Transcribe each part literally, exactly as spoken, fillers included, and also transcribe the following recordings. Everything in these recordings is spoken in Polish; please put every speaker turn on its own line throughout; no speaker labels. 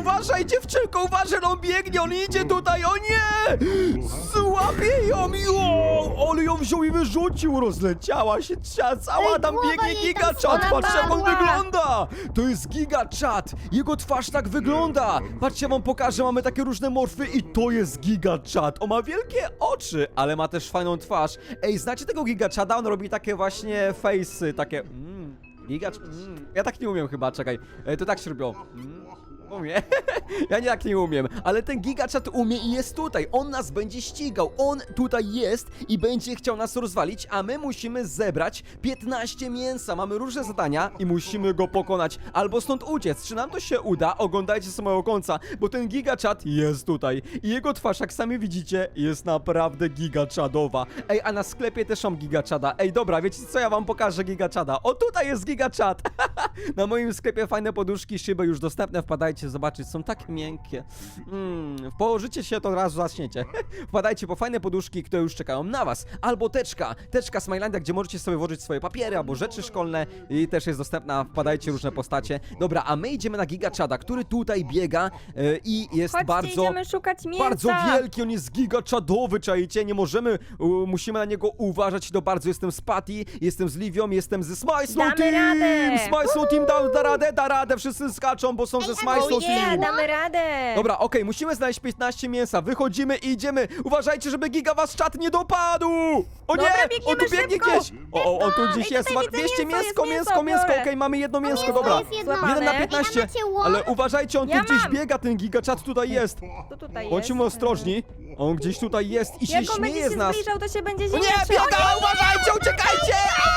uważaj, dziewczynko, uważaj, on biegnie, on idzie tutaj, o nie! Złapie ją, jo! Ale ją wziął i wyrzucił, rozleciała się, cała tam
głowa
biegnie
jej tam
Giga Chad,
spadła.
patrzcie jak on wygląda! To jest Giga Chad, jego twarz tak wygląda! Patrzcie, ja wam pokażę, mamy takie różne morfy i to jest Giga Chad. On ma wielkie oczy, ale ma też fajną twarz. Ej, znacie tego Giga Chada? On robi takie właśnie face'y, takie... Mm, Giga... Mm. Ja tak nie umiem chyba, czekaj. E, to tak się robiło. Mm. Umie. Ja nie tak nie umiem, ale ten Giga Chad umie i jest tutaj. On nas będzie ścigał. On tutaj jest i będzie chciał nas rozwalić, a my musimy zebrać piętnaście mięsa. Mamy różne zadania i musimy go pokonać albo stąd uciec. Czy nam to się uda? Oglądajcie z samego końca, bo ten Giga Chad jest tutaj. I jego twarz, jak sami widzicie, jest naprawdę Giga Chadowa. Ej, a na sklepie też mam Giga Chada. Ej, dobra, wiecie co? Ja wam pokażę Giga Chada. O, tutaj jest Giga Chad. Na moim sklepie fajne poduszki, szyby już dostępne. Wpadajcie zobaczyć, są takie miękkie. Mm, położycie się, to od razu zaczniecie. Wpadajcie po fajne poduszki, które już czekają na was. Albo teczka, teczka Smilandia, gdzie możecie sobie włożyć swoje papiery albo rzeczy szkolne i też jest dostępna. Wpadajcie, różne postacie. Dobra, a my idziemy na Giga Chada, który tutaj biega yy, i jest
Chodźcie,
bardzo...
idziemy szukać mięsa.
Bardzo wielki, on jest Giga Chadowy, czajcie, nie możemy, u, musimy na niego uważać, to bardzo jestem z Patty, jestem z Livią, jestem ze Smajslow
Damy
Team!
radę!
Smajslow Team da, da radę, da radę, wszyscy skaczą, bo są ze
Ej, a
Smajslow
to
Team!
Nie, damy radę.
Dobra, okej, musimy znaleźć piętnaście mięsa, wychodzimy i idziemy, uważajcie, żeby Giga was czat nie dopadł! O nie,
Dobra,
on
biegniemy
tu biegnie
szybko.
gdzieś! O, o, on tu gdzieś
Ej,
jest,
tutaj
ma
widzę
dwieście
mięso,
mięsko,
jest
mięsko,
mięso,
mięsko,
biorę.
okej, mamy jedno mięsko,
mięso
dobra.
jest jedno.
Złapane.
jeden na
Ej, a
piętnaście,
macie łom?
ale uważajcie, on tu
Ja
gdzieś
mam.
biega, ten Giga Chad tutaj jest.
To tutaj jest.
Bądźmy ostrożni, on gdzieś tutaj jest i się
Jak on będzie
śmieje z
się
nas.
zbliżał, to się będzie
O
ziemia
nie,
trzęsła.
biega, uważajcie, uciekajcie!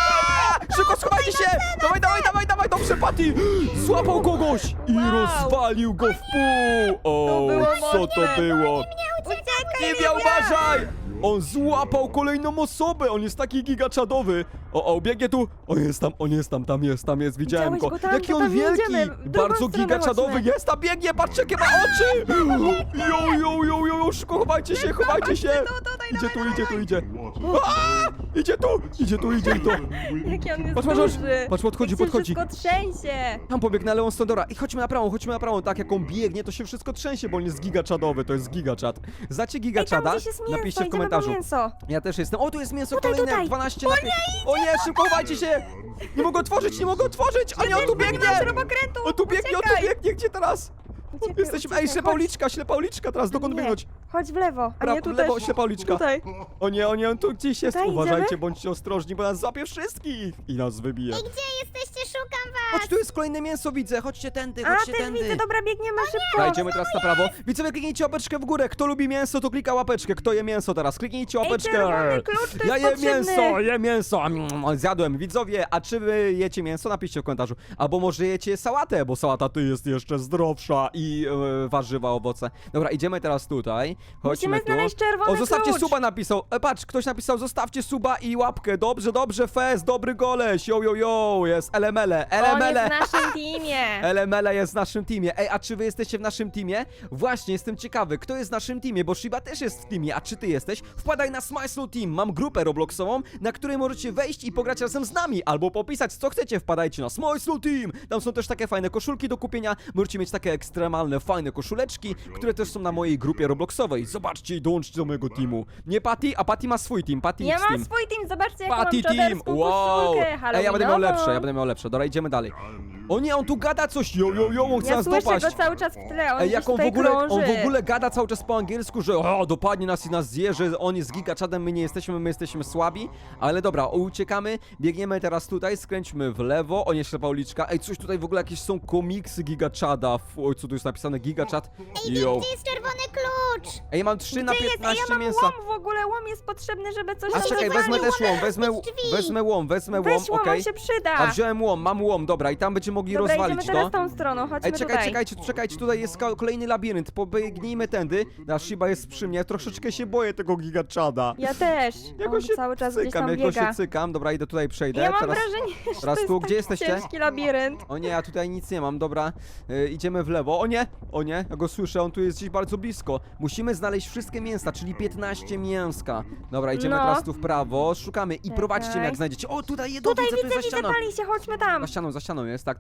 Aaa! Szybko schowajcie się! Dawaj, dawaj, dawaj, dawaj, dobrze, Patty! Złapał kogoś i
Wow.
rozwalił go w pół! O,
To było
co to
mocne.
było?
Uciekaj,
Livia, uważaj! On złapał kolejną osobę, on jest taki gigachadowy. O, o, biegnie tu. On jest tam, on jest tam, tam jest, tam jest, widziałem
Widziałeś
go.
go tam?
Jaki
To
on
tam nie
wielki!
idziemy. W drugą
Bardzo
stronę
gigachadowy
chodźmy.
jest, tam biegnie, patrzcie jakie ma oczy! Jo, jo, jo, jo, jo, szybko, chowajcie się, chowajcie się! Idzie tu, idzie tu, idzie. Aaa! Idzie tu, idzie tu, idzie tu.
Jaki on jest
Patrz, patrz, patrz.
duży.
Patrz, podchodzi,
Jak się
podchodzi.
wszystko trzęsie.
Tam pobiegnę, ale on stąd, dobra. I chodźmy na prawą, chodźmy na prawą. Tak jak on biegnie, to się wszystko trzęsie, bo on jest gigachadowy, to jest gigachat. Znacie
Ej, tam
gigachada?
gdzieś jest mięso,
Napiszcie w
idziemy po
komentarzu.
mięso.
Ja też jestem. O, tu jest mięso
Tutaj,
kolejne,
tutaj.
dwanaście na pięć. O nie, szybko chowajcie się! Nie mogę otworzyć, nie mogę otworzyć! A nie, on tu
Też nie
biegnie!
masz śrubokrętu.
On tu biegnie, on tu
Uciekaj.
biegnie, gdzie teraz?
Uciekaj,
Jesteśmy, ej,
uciekaj,
ślepa
chodź.
uliczka, ślepa uliczka teraz, dokąd
Nie,
biegnąć?
chodź w lewo, a
Pra-
nie tu
w lewo,
też.
ślepa uliczka.
Tutaj.
O nie, o nie, on tu gdzieś jest.
Tutaj
Uważajcie,
idziemy?
bądźcie ostrożni, bo nas złapie wszystkich i nas wybije.
Ej, gdzie jesteście? Szukam was!
Chodź, tu jest kolejne mięso, widzę, chodźcie tędy,
A,
chodźcie
też
tędy.
widzę, dobra, biegniemy szybko.
Dobra, idziemy teraz na prawo. Widzowie, kliknijcie łapeczkę w górę. Kto lubi mięso, to klika łapeczkę. Kto je mięso teraz? Kliknijcie
Ej,
łapeczkę.
czerwony klucz, to
Ja
jest
jem
potrzebny.
mięso, jem mięso. Mm, Zjadłem. Widzowie, a czy wy jecie mięso? Napiszcie w komentarzu. Albo może jecie sałatę, bo sałata tu jest jeszcze zdrowsza i e, warzywa, owoce. Dobra, idziemy teraz tutaj. Chodźmy
Musimy
tu.
znaleźć czerwony
O, zostawcie
klucz.
suba napisał. E, patrz, ktoś napisał, zostawcie suba i łapkę. Dobrze, dobrze, fest, dobry goleś. Jo, jo, jo, jest elemele,
On
elemele.
jest w naszym teamie.
Elemele jest w naszym teamie. Ej, a czy wy jesteście w naszym teamie? Właśnie, jestem ciekawy, kto jest w naszym teamie, bo Shiba też jest w teamie, a czy ty jesteś? Wpadaj na Smysl Team, mam grupę robloxową, na której możecie wejść i pograć razem z nami, albo popisać co chcecie, wpadajcie na Smysl Team. Tam są też takie fajne koszulki do kupienia, możecie mieć takie ekstremalne, fajne koszuleczki, które też są na mojej grupie robloxowej. Zobaczcie i dołączcie do mojego teamu. Nie Patty, a Patty ma swój team, Patty
Ja
X
mam
Team.
swój team, zobaczcie jaką
Patty
mam
Team!
czaderską
Wow!
koszulkę
Ej, ja będę miał lepsze, ja
halloweenową.
będę miał lepsze. Dobra, idziemy dalej. O nie, on tu gada coś, jo, jo, jo, on chce
Ja
nas
słyszę
dopaść.
go cały czas w tle, on
Ej,
gdzieś
jak on w,
tutaj
ogóle,
krąży.
on w ogóle gada cały czas po angielsku, że o, dopadnie nas i nas zje, że on jest gigaczadem, my nie jesteśmy, my jesteśmy słabi. Ale dobra, uciekamy, biegniemy teraz tutaj, skręćmy w lewo. O nie, ślepa uliczka. Ej, coś tutaj w ogóle jakieś są komiksy gigaczada. Oj, co tu jest napisane? Gigaczad.
Ej,
Jo.
gdzie jest czerwony klucz?
Ej, mam trzy na
Gdzie jest? Ej,
piętnaście
ja mam
mięsa.
łom w ogóle, łom jest potrzebny, żeby coś
A
tam
czekaj,
rozwalić.
wezmę też łom, wezmę,
drzwi.
wezmę łom, wezmę łom,
Weź łom,
okej.
on się przyda.
A wziąłem łom, mam łom, dobra, i tam będziemy mogli
Dobra,
rozwalić
idziemy teraz
to.
tą stroną, chodźmy
Ej, czekaj,
tutaj.
czekajcie, czekajcie, tutaj jest ko- kolejny labirynt, pobiegnijmy tędy. Nasz Shiba jest przy mnie, troszeczkę się boję tego gigachada.
Ja też.
Ja
On
go się
cały czas gdzieś
cykam,
tam
ja go
biega.
się cykam, dobra, idę tutaj, przejdę.
Ja mam
teraz...
wrażenie, że
teraz
to jest
tu, gdzie
taki
jesteście?
ciężki labirynt.
O nie, ja tutaj nic nie mam, dobra, y, idziemy w lewo. O nie, o nie, ja go słyszę, on tu jest gdzieś bardzo blisko. Musimy znaleźć wszystkie mięsa, czyli piętnaście mięska. Dobra, idziemy
No.
teraz tu w prawo, szukamy i
Czekaj.
prowadźcie mnie jak znajdziecie. O, tutaj jedno
Tutaj
widzę, tu
widzę,
jest za
widzę,
ścianą.
pali się, chodźmy tam.
Za ścianą, za ścianą jest, tak,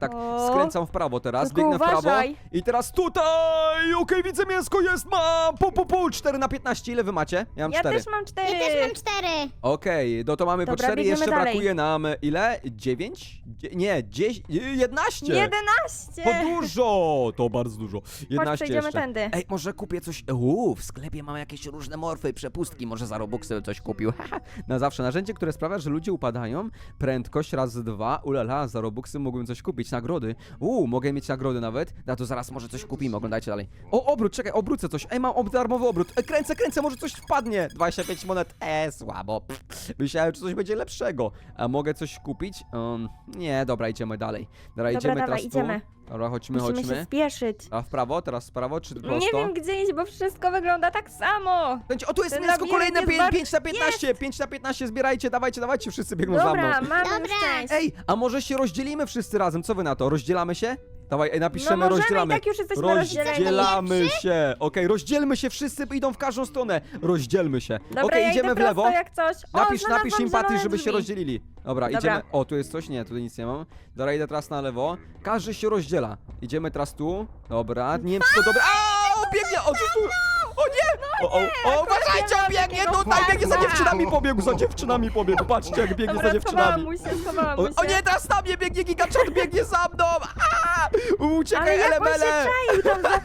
tak.
O.
Skręcam w prawo teraz,
Tylko
biegnę w prawo.
uważaj.
I teraz tutaj! Okej, widzę mięsko, jest, mam! Pu, pu, pu, cztery na piętnaście, ile wy macie? Ja mam
Ja
cztery.
też mam cztery.
Ja też mam cztery.
Okej, no to mamy po
Dobra,
cztery,
biegniemy
jeszcze
dalej.
brakuje nam ile? dziewięć? Dzie nie, dziesięć, jedenaście!
jedenaście.
To dużo! To bardzo dużo. jedenaście
przejdziemy
jeszcze.
tędy.
Ej, może kupię coś. Uuu, w sklepie mam jakieś różne morfy, przepustki. Może za Robuxy coś kupił. Haha. Na zawsze narzędzie, które sprawia, że ludzie upadają. Prędkość razy dwa. Ulala, za Robuxy mógłbym coś kupić. Nagrody. Uuu, mogę mieć nagrody nawet. Na to zaraz może coś kupimy. Oglądajcie dalej. O, obrót, czekaj, obrócę coś. Ej, mam ob- darmowy obrót. E, kręcę, kręcę, może coś wpadnie. dwadzieścia pięć monet. E, słabo. Pff. Myślałem, że coś będzie lepszego. A mogę coś kupić? Um, nie, dobra, idziemy dalej. Dobra,
Dobra,
idziemy
dawaj,
teraz
idziemy.
tu. Dobra, chodźmy,
Musimy
chodźmy.
się spieszyć.
A w prawo, teraz w prawo, czy prosto?
Nie wiem gdzie iść, bo wszystko wygląda tak samo.
Będzie- O, tu jest
Ten
mięsko
labirynt
kolejne,
jest
pię-
bardzo-
pięć na piętnaście, pięć na piętnaście, zbierajcie, dawajcie, dawajcie, wszyscy biegną za
Dobra,
mną.
mamy
Dobra.
już część.
Ej, a może się rozdzielimy wszyscy razem, co wy na to? Rozdzielamy się? Dawaj, ej,
No
napiszemy,
możemy,
rozdzielamy.
i tak już jesteśmy rozdzieleni.
Rozdzielamy się. Okej, rozdzielmy się, wszyscy idą w każdą stronę. Rozdzielmy się.
Dobra,
Okej,
ja
idziemy
idę
w lewo.
prosto jak coś. O,
Napisz,
znalazłam
napisz im Patty,
zielone
żeby się
drzwi.
rozdzielili. Dobra,
Dobra.
idziemy. O, tu jest coś? Nie, tutaj nic nie mam. Dobra, idę teraz na lewo. Każdy się rozdziela. Idziemy teraz tu. Dobra, nie wiem czy to dobre. A, o, biegnie! O, co tu? O nie! O, o, o, uważajcie, on biegnie
takiego
tutaj, biegnie za
farta.
dziewczynami pobiegł, za dziewczynami pobiegł. Patrzcie, jak biegnie
Dobra,
za
schowałam
dziewczynami.
mu się, schowałam
O,
mu się.
o nie, teraz na mnie biegnie gigaczot, biegnie za mną! A!
Ale
Uciekaj,
jak on się
elemele!
czaił tam za...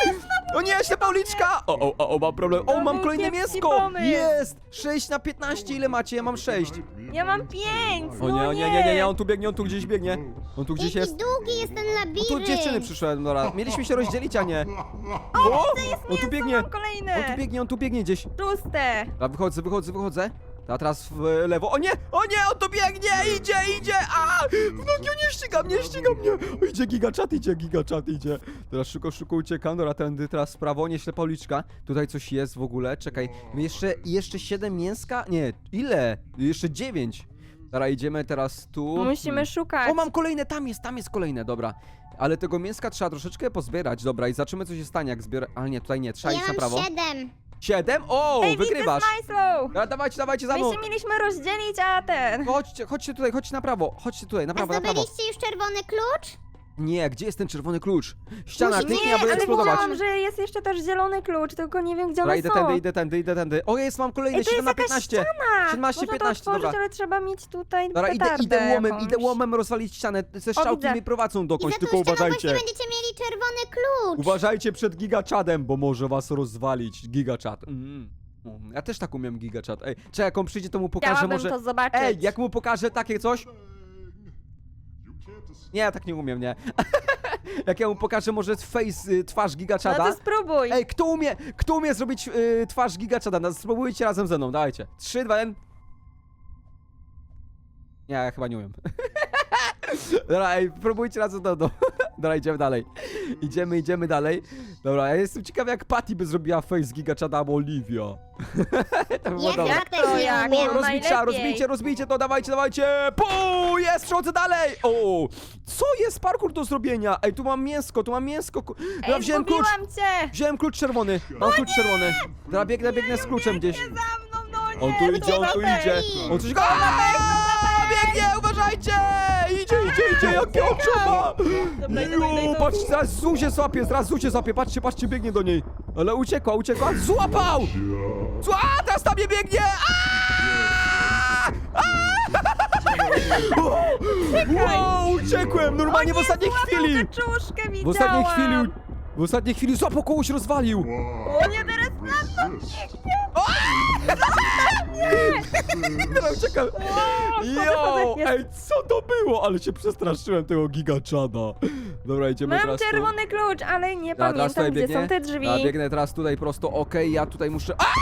O nie, ślepa uliczka! O, o, o, o, mam problem. O,
To
mam
był
kolejne
kiepski
mięsko!
pomysł.
Jest! sześć na piętnaście, ile macie? Ja mam sześć.
Ja mam pięć,
O
no
nie, o nie, nie, nie, nie, on tu biegnie, on tu gdzieś biegnie. On tu gdzieś
Jaki
jest.
długi jest ten
O,
labirynt.
tu dziewczyny przyszły, dobra. Mieliśmy się rozdzielić, a nie. O, on tu biegnie.
Mam kolejne.
On tu biegnie, on tu biegnie gdzieś.
Szóste.
A wychodzę, wychodzę, wychodzę. A teraz w e, lewo. O nie! O nie! On tu biegnie! Idzie, idzie! A! W nogi, o nie ściga mnie, ściga mnie! O, idzie gigachat, idzie gigachat, idzie. Teraz szybko, szybko uciekam. Dobra, tędy teraz w prawo, nie ślepa uliczka. Tutaj coś jest w ogóle. Czekaj. Jeszcze, jeszcze siedem mięska? Nie, ile? Jeszcze dziewięć. Dobra, idziemy teraz tu.
Musimy
Hmm.
szukać.
O, mam kolejne, tam jest, tam jest kolejne, dobra. Ale tego mięska trzeba troszeczkę pozbierać, dobra, i zobaczymy co się stanie, jak zbiorę... Ale nie, tutaj nie, trzeba
Ja
iść na
mam
prawo.
siedem.
Siedem? O,
Ej,
wygrywasz!
widzę Smajslow.
Dobra, dawajcie, dawajcie za
My
mną.
się mieliśmy rozdzielić, a ten...
Chodźcie, chodźcie tutaj, chodźcie na prawo, chodźcie tutaj, na
A
prawo, na prawo.
zdobyliście już czerwony klucz?
Nie, gdzie jest ten czerwony klucz? Ściana,
Musi-
kliknij,
Nie,
aby
ale
eksplodować.
widziałam, że jest jeszcze też zielony klucz, tylko nie wiem gdzie
Dobra,
one
idę
są.
tędy, idę tędy, idę tędy. O, jest, mam kolejny,
Ej, to
siedem
jest
na
jakaś
piętnaście.
ściana.
siedemnaście,
Można to
piętnaście,
otworzyć,
dobra.
ale trzeba mieć tutaj
Dobra, idę,
petardę
idę łomem,
jakąś.
idę łomem rozwalić ścianę. Te strzałki
widzę.
mnie prowadzą
I
dokądś,
za tą
tylko
ścianą
uważajcie.
właśnie będziecie mieli czerwony klucz.
Uważajcie przed gigachadem, bo może was rozwalić. Gigachad. Mm. Mm, Ja też tak umiem gigachad. Ej, czekaj, jak on przyjdzie, to mu pokażę
Chciałabym
może...
to zobaczyć.
Ej, jak mu pokażę takie coś? Nie, ja tak nie umiem, nie. Jak ja mu pokażę może face, y, twarz
No
gigachada.
to spróbuj.
Ej, kto umie, kto umie zrobić y, twarz gigachada? No, spróbujcie razem ze mną, dawajcie. Trzy, dwa, jeden. Nie, ja chyba nie umiem. Dobra, ej, próbujcie razem ze mną. Dobra, idziemy dalej. Idziemy, idziemy dalej. Dobra, ja jestem ciekawy jak Patty by zrobiła face gigachada albo Olivia. To by było
Ja
dobre.
chyba też
to
nie
jak?
umiem.
O,
Rozbicia,
najlepiej.
rozbicie, rozbicie to, dawajcie, dawajcie! Puu, jest, przechodzę dalej! O, co jest parkour do zrobienia? Ej, tu mam mięsko, tu mam mięsko. ku- Dobra,
Ej,
wziąłem klucz,
zgubiłam cię.
wziąłem klucz czerwony, mam klucz czerwony. Dobra, biegnę, biegnę z kluczem gdzieś.
Nie za mną, no nie.
On tu idzie, on tu idzie. On coś... Aaaa, biegnie, uważajcie! Idzie, idzie, idzie, jakie oczy ma!
Dobra, idę, idę,
Ju,
idę.
patrzcie, zaraz Zu się złapie, zaraz Zu się złapie, patrzcie, patrzcie, biegnie do niej. Ale uciekła, uciekła, złapał! Zła, teraz tam nie biegnie! Aaaa! Aaaa! Wow, uciekłem, normalnie w ostatniej chwili!
Kaczuszkę widziałam.
W ostatniej chwili, w ostatniej chwili złapał kogoś, rozwalił!
O nie, teraz na to biegnie.
Dobra, uciekam!
wychodzę,
Jo,
jest.
ej, co to było? Ale się przestraszyłem tego gigachada. Dobra, idziemy
Mam
teraz tu.
czerwony klucz, ale nie
Dobra, teraz
pamiętam,
tutaj
gdzie są te drzwi.
Ja biegnę teraz tutaj prosto, okej, ja tutaj muszę... A!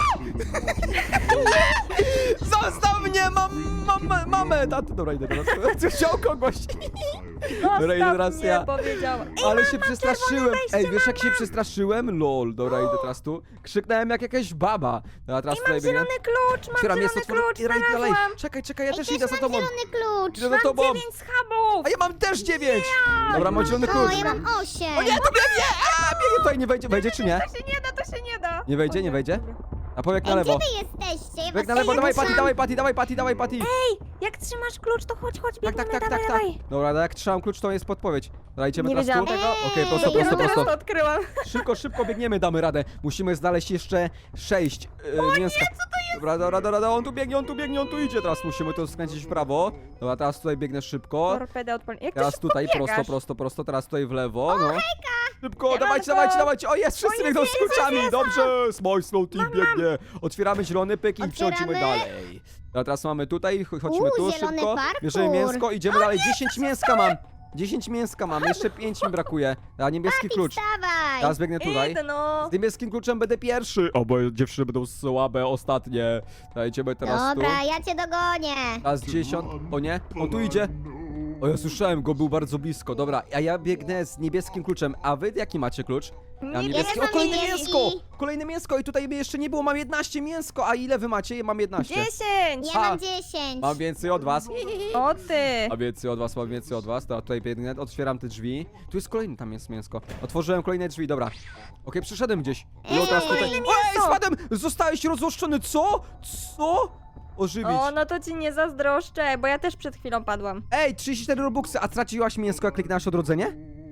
Zostaw mnie, mam, mam, mamę! Taty, dobra, idę teraz. Chciał kogoś. Dobra, idę teraz
mnie,
ja.
powiedziała. Ej,
Ale
mama,
się przestraszyłem.
wejście,
Ej, wiesz jak się
mama.
przestraszyłem? Lol, dobra, idę teraz tu. Krzyknąłem jak jakaś baba. Dobra, teraz
Ej,
tutaj
mam
biegnę.
zielony klucz, mam
Otwieram jest
zielony klucz,
otworzone. Idę dalej.
znalazłam.
Czekaj, czekaj, ja
Ej,
też
też
idę za
mam
tobą.
zielony klucz.
Idę za
Mam
tobą.
dziewięć schabów.
A ja mam też dziewięć! Dobra, mam zielony
O,
klucz.
ja mam osiem.
O nie, to biegnie! A, biegnie tutaj, nie wejdzie, wejdzie czy nie?
To się nie da, to się nie da.
Nie wejdzie,
O
nie wejdzie?
dobra.
A powiek na
Ej, gdzie
lewo.
wy jesteście? Ja
Bieg
was
na lewo,
nie
dawaj
ruszam.
Patty, dawaj Patty, dawaj Patty, dawaj Patty.
Ej, Jak trzymasz klucz, to chodź, chodź,
Tak,
biegniemy,
tak, tak,
dawaj,
tak, tak.
dawaj.
Dobra, jak trzymam klucz, to jest podpowiedź. Dobra, idziemy
Nie
teraz
wiedziałam
tu.
tego.
Okej, prosto,
Dopiero
prosto,
Dopiero teraz
prosto.
to odkryłam.
Szybko, szybko biegniemy, damy radę. Musimy znaleźć jeszcze sześć yy, mięska. Nie, co to jest? Dobra, dobra, dobra, dobra, on tu biegnie, on tu biegnie, on tu idzie. Teraz musimy to skręcić w prawo. Dobra, teraz tutaj biegnę szybko.
Torpedę odpal. Jak ty
Teraz
szybko
tutaj
biegasz?
prosto, prosto, prosto, teraz tutaj w lewo, no. Szybko,
Siemanko.
dawajcie, dawajcie, dawajcie. O, jest, wszyscy
O,
biegną z
jest, jest,
kluczami.
jest,
Dobrze, Small Slow Team biegnie. Otwieramy zielony pyk i
Otwieramy.
przechodzimy dalej. A teraz mamy tutaj, ch- chodźmy
Uuu,
tu
zielony
szybko.
parkour.
Bierzemy mięsko, idziemy dalej. dziesięć mięska mam. dziesięć mięska mam, jeszcze pięć mi brakuje. A niebieski klucz.
Wstawaj!
Teraz biegnę tutaj.
Idę, no.
Z niebieskim kluczem będę pierwszy. O, bo dziewczyny będą słabe, ostatnie. Dajcie teraz tu.
Dobra, ja cię dogonię.
Teraz dziesiąt. O nie, on tu idzie. O, ja słyszałem go, był bardzo blisko. Dobra, a ja biegnę z niebieskim kluczem. A wy jaki macie klucz? Ja mam
Nie,
niebieski.
ja
O,
mam
kolejne
niebieski.
mięsko! Kolejne mięsko i tutaj jeszcze nie było, mam jedenaście mięsko. A ile wy macie? Ja mam jedenaście.
Dziesięć.
Ja
A.
mam dziesięć.
Mam więcej od was.
O ty.
Mam więcej od was, mam więcej od was. Dobra, tutaj biegnę, otwieram te drzwi. Tu jest kolejny, tam jest mięsko. Otworzyłem kolejne drzwi, dobra. Okej, przyszedłem gdzieś. I
Ej,
teraz tutaj...
kolejne
Ej, spadłem! Zostałeś rozłoszczony, co? Co? Ożywić.
O, no to ci nie zazdroszczę, bo ja też przed chwilą padłam.
Ej, trzydzieści cztery robuxy, a straciłaś mięsko, jak kliknęłaś odrodzenie?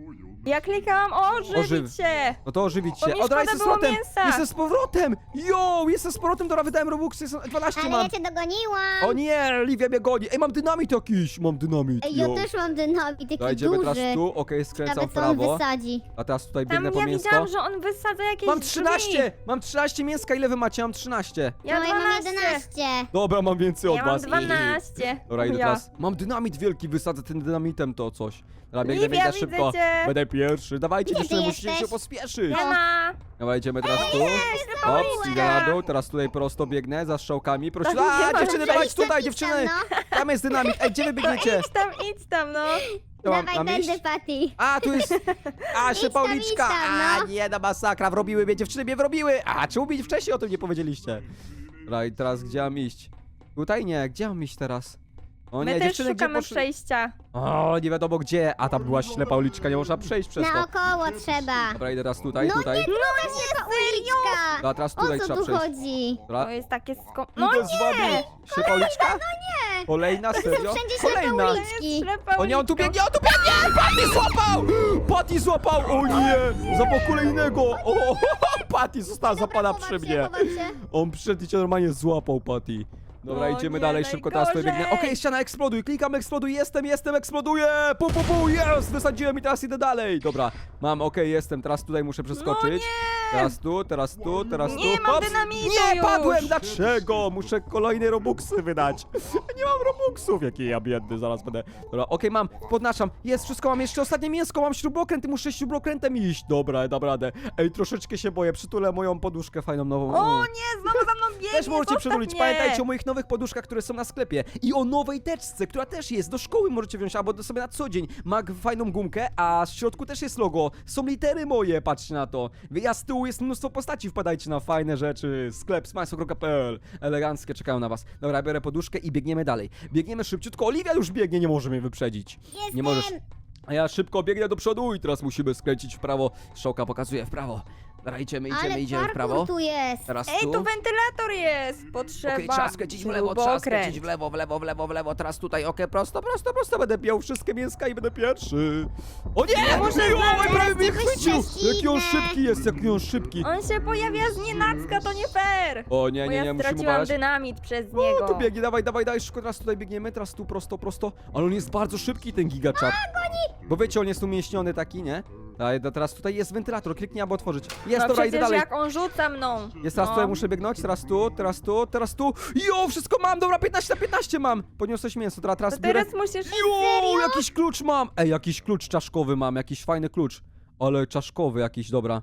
Ja klikałam ożywić
Ożyw.
się.
No to ożywić
Bo
się.
mi
O, dobra,
szkoda
jestem z
było
powrotem!
mięsa.
Jestem z powrotem! Yo, jestem z powrotem, dobra, wydałem robuxy, jestem dwanaście
Ale
mam.
ja cię dogoniłam.
O nie, Livia mnie goni. Ej, mam dynamit jakiś, mam dynamit,
Ej, ja
yo.
też mam dynamit, taki
Dobra, idziemy
duży.
teraz tu, okej, skręcam
Nawet
w
co on
prawo.
wysadzi.
A teraz tutaj
Tam
biegnę po
ja
mięsko.
widziałam, że on wysadza jakieś
Mam
drzwi.
trzynaście! Mam trzynaście mięska, ile wy macie? Mam trzynaście.
Ja
no ja mam
dwanaście.
jedenaście.
Dobra, mam więcej od
Ja mam
was.
dwanaście.
Dobra, idę
Ja.
teraz. Mam dynamit wielki, wysadzę tym dynamitem to coś. Dobra, biegnę,
Livia,
biegnę szybko.
widzę cię.
Będę pierwszy. Dawajcie,
Gdzie
dziewczyny,
ty
musicie
jesteś?
się pospieszyć.
Nie ma.
Dobra, idziemy teraz tu.
Paulina.
Hop, idę na dół, teraz tutaj prosto biegnę za strzałkami. Proszę,
Tam nie
a
ma
dziewczyny,
przejścia.
dawać tutaj,
Idź tam,
dziewczyny!
no.
Tam jest dynamit. Ej, gdzie wy
To
biegniecie?
idź tam, idź tam, no.
To mam,
Dawaj
mam iść?
tędy, Patty.
A, tu jest... A,
Idź
jeszcze
tam,
Pauliczka!
idź tam,
A,
no.
nie, na masakra, wrobiły mnie, dziewczyny mnie wrobiły! A, czemu mi wcześniej o tym nie powiedzieliście? Dobra, i teraz gdzie mam iść? Tutaj nie, gdzie mam iść teraz? O nie,
My też
dziewczyny, gdzie
szukamy
poszły?
przejścia.
O, nie wiadomo gdzie. A tam była ślepa uliczka, nie można przejść przez to.
Naokoło trzeba.
Dobra, idę teraz tutaj,
No
tutaj.
nie, no nie, uliczka.
Dobra, teraz
O
tutaj
co
trzeba
tu
przejść.
chodzi?
Dobra.
To jest takie sko... No
Idę z wami. Ślepa uliczka?
No nie.
Kolejna, serio?
wszędzie ślepe
Kolejna.
uliczki.
Ślepa
O nie, on tu
uliczka.
biegnie, on tu biegnie! Patty złapał! Patty złapał! O nie! Złapał kolejnego! O, Patty została zapada
Chowam
przy
się,
mnie.
chowam się.
On przyszedł i cię normalnie złapał, Patty. Dobra,
O
idziemy
nie,
dalej, szybko teraz tutaj
najgorzej.
biegnę. Okej, ściana eksploduj, klikam eksploduj, jestem, jestem, eksploduję! Pu, pu, pu, jest! Wysadziłem i teraz idę dalej. Dobra, mam, okej, jestem, teraz tutaj muszę przeskoczyć.
No nie!
Teraz tu, teraz tu, teraz tu.
Nie, mam
Hops!
dynamitu
Nie,
już.
padłem! Dlaczego? Muszę kolejne robuxy wydać. Nie mam robuxów, jaki ja biedny, zaraz będę. Dobra, okej, mam, podnaszam. Jest, wszystko mam, jeszcze ostatnie mięsko, mam śrubokręt i muszę śrubokrętem iść. Dobra, dam radę. Ej, troszeczkę się boję, przytulę moją poduszkę fajną nową.
O nie, znowu za mną biegnie,
Też możecie
zostaw
przytulić.
mnie.
Pamiętajcie o moich nowych poduszkach, które są na sklepie. I o nowej teczce, która też jest. Do szkoły możecie wziąć, albo do sobie na co dzień. Ma g- fajną gumkę, a w środku też jest logo. Są litery moje, patrzcie na to. A z tyłu jest mnóstwo postaci. Wpadajcie na fajne rzeczy. Sklep smajso kropka p l. Eleganckie czekają na was. Dobra, biorę poduszkę i biegniemy dalej. Biegniemy szybciutko. Oliwia już biegnie, nie może mnie wyprzedzić.
Jestem.
Nie możesz. A ja szybko biegnę do przodu i teraz musimy skręcić w prawo. Strzałka pokazuje w prawo. Dobra, idziemy, idziemy,
Ale
idziemy w prawo.
parkour tu jest.
Teraz
Ej,
tu.
tu wentylator jest. Potrzeba
Okej, trzeba skręcić w lewo, trzeba
śrubokręt.
skręcić w lewo, w lewo, w lewo, w lewo, teraz tutaj, okej, prosto, prosto, prosto, będę piął wszystkie mięska i będę pierwszy. O nie,
muszę
nie,
znaleźć,
oj, prawie mnie
jesteśmy
chwycił,
szczęśliwe.
jaki on szybki jest, jaki on szybki.
On się pojawia z nienacka, to nie fair.
O nie,
Bo
nie,
ja
nie, musimy
straciłam
uważać.
dynamit przez
O,
niego.
tu biegnie, dawaj, dawaj, dawaj, szybko, teraz tutaj biegniemy, teraz tu prosto, prosto, ale on jest bardzo szybki, ten gigaczat. Bo wiecie, on jest umieśniony taki, nie? Daj, da- teraz tutaj jest wentylator, kliknij, aby otworzyć. Jest,
No
dobra, idę
przecież
dalej.
jak on rzuca mną.
Jest, teraz
no.
tutaj muszę biegnąć, teraz tu, teraz tu, teraz tu. Jo, wszystko mam, dobra, piętnaście na piętnaście mam. Podniosłeś mięso, teraz, teraz
To
biorę.
teraz musisz...
Jo, jakiś klucz mam! Ej, jakiś klucz czaszkowy mam, jakiś fajny klucz. Ale czaszkowy jakiś, dobra.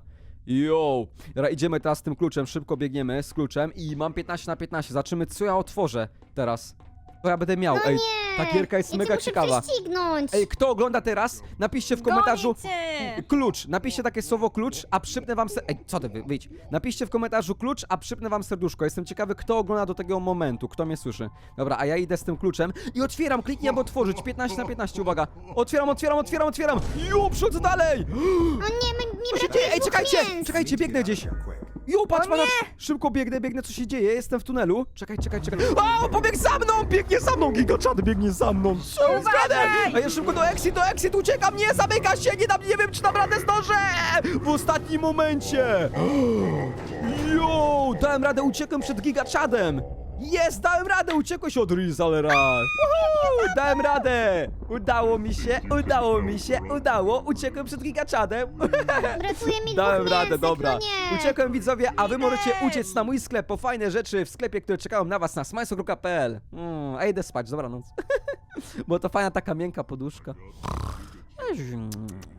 Jo, dobra, idziemy teraz z tym kluczem, szybko biegniemy z kluczem i mam piętnaście na piętnaście. Zobaczymy, co ja otworzę teraz. Co ja będę miał,
No
ej,
nie.
ta gierka jest
Ja cię
mega
muszę
ciekawa.
prześcignąć.
Ej, kto ogląda teraz, napiszcie w komentarzu
Goni cię.
klucz, napiszcie takie słowo klucz, a przypnę wam ser... Ej, co ty, wy- wyjdź. Napiszcie w komentarzu klucz, a przypnę wam serduszko. Jestem ciekawy, kto ogląda do tego momentu, kto mnie słyszy. Dobra, a ja idę z tym kluczem i otwieram, kliknij, aby otworzyć. piętnaście na piętnaście, uwaga. Otwieram, otwieram, otwieram, otwieram. Jo, przychodzę dalej.
O nie, my, mi
Co się
brakuje
dzieje? Ej,
dwóch
czekajcie,
mięs.
czekajcie, biegnę gdzieś. Jo, patrz,
O
patrz, szybko biegnę, biegnę, co się dzieje, jestem w tunelu. Czekaj, czekaj, czekaj. O, pobiegł za mną, biegnie za mną, Gigaczad biegnie za mną. Co jest grane? A ja szybko do exit, do exit, uciekam, nie, zamyka się, nie dam, nie wiem, czy dam radę zdążę. W ostatnim momencie. Jo, dałem radę, uciekłem przed Gigaczadem. Jest, dałem radę, uciekłeś od Rizalera. Woohoo, dałem radę. Udało mi się, udało mi się, udało. Uciekłem przed Gigaczadem.
Brakuje mi
Dałem
dwóch
radę,
mięsek,
dobra.
no nie.
Uciekłem, widzowie, a wy możecie uciec na mój sklep po fajne rzeczy w sklepie, które czekają na was na smajso kropka p l. Mm, a idę spać, dobranoc. Bo to fajna taka miękka poduszka.